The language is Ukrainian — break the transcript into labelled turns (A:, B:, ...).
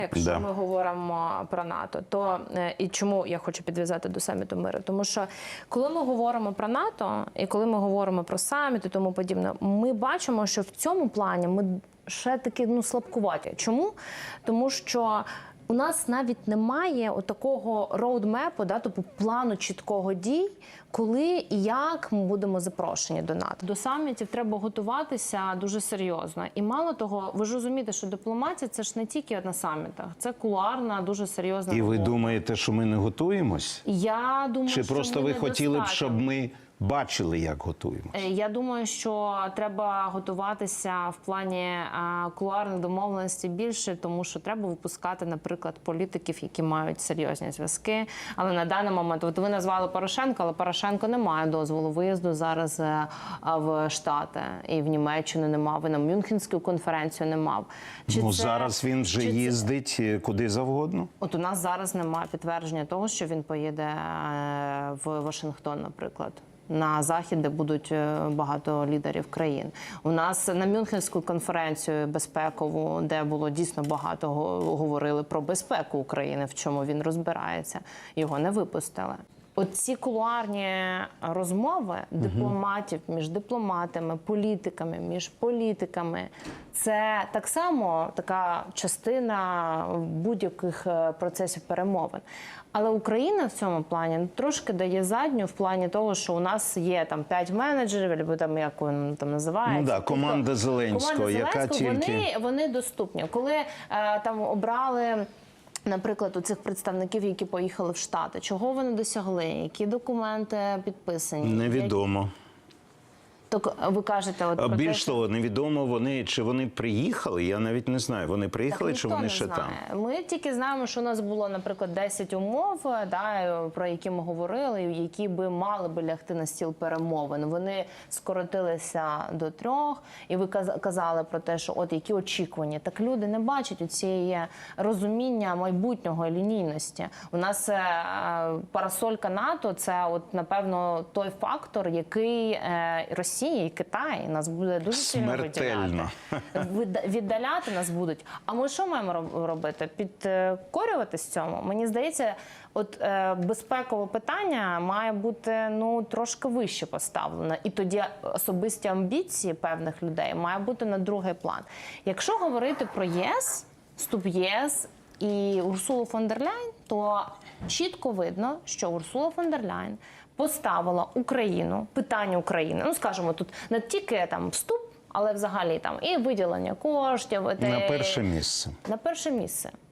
A: Якщо ми говоримо про НАТО, то і чому я хочу підв'язати до саміту миру? Тому що коли ми говоримо про НАТО і коли ми говоримо про саміт і тому подібне, ми бачимо, що в цьому плані ми ще таки слабкуваті. Чому? Тому що у нас навіть немає такого роудмепу, тобто плану чіткого дій, коли і як ми будемо запрошені до НАТО. До самітів треба готуватися дуже серйозно. І мало того, ви ж розумієте, що дипломатія – це ж не тільки на самітах, це кулуарна, дуже серйозна
B: робота. І ви
A: робота.
B: думаєте, що ми не готуємось?
A: Я думаю,
B: Чи
A: що
B: просто ви хотіли б, щоб ми бачили, як готуємося?
A: Я думаю, що треба готуватися в плані кулуарних домовленостей більше, тому що треба випускати, наприклад, політиків, які мають серйозні зв'язки. Але на даний момент, от ви назвали Порошенка, але Порошенко не має дозволу виїзду зараз в Штати. І в Німеччину не мав, і на Мюнхенську конференцію не мав.
B: Зараз він вже їздить куди завгодно?
A: От у нас зараз немає підтвердження того, що він поїде в Вашингтон, наприклад. На Захід, де будуть багато лідерів країн. У нас на Мюнхенську конференцію безпекову, де було дійсно багато говорили про безпеку України, в чому він розбирається, його не випустили. Оці кулуарні розмови дипломатів між дипломатами, політиками, між політиками – це так само така частина будь-яких процесів перемовин. Але Україна в цьому плані трошки дає задню в плані того, що у нас є там 5 менеджерів, або там як він там називається.
B: Команда Зеленського, яка тільки...
A: Вони доступні. Коли там обрали... Наприклад, у цих представників, які поїхали в Штати, чого вони досягли, які документи підписані?
B: Невідомо.
A: Так ви кажете,
B: більш того, невідомо чи вони приїхали, я навіть не знаю. Вони приїхали, чи вони ще там?
A: Ми тільки знаємо, що у нас було, наприклад, 10 умов, про які ми говорили, які мали би лягти на стіл перемовин. Вони скоротилися до 3, і ви казали про те, що які очікування. Так люди не бачать оцієї розуміння майбутнього і лінійності. У нас парасолька НАТО – це, напевно, той фактор, який Росія і Китай нас буде дуже сильно віддаляти нас будуть. А ми що маємо робити? Підкорюватись цьому? Мені здається, безпекове питання має бути трошки вище поставлено. І тоді особисті амбіції певних людей має бути на другий план. Якщо говорити про ЄС, вступ в ЄС і Урсулу фон дер Ляйн, то чітко видно, що Урсула фон дер Ляйн поставила Україну, питання України, скажімо, тут не тільки вступ, але взагалі і виділення коштів.
B: На перше місце.
A: На перше місце.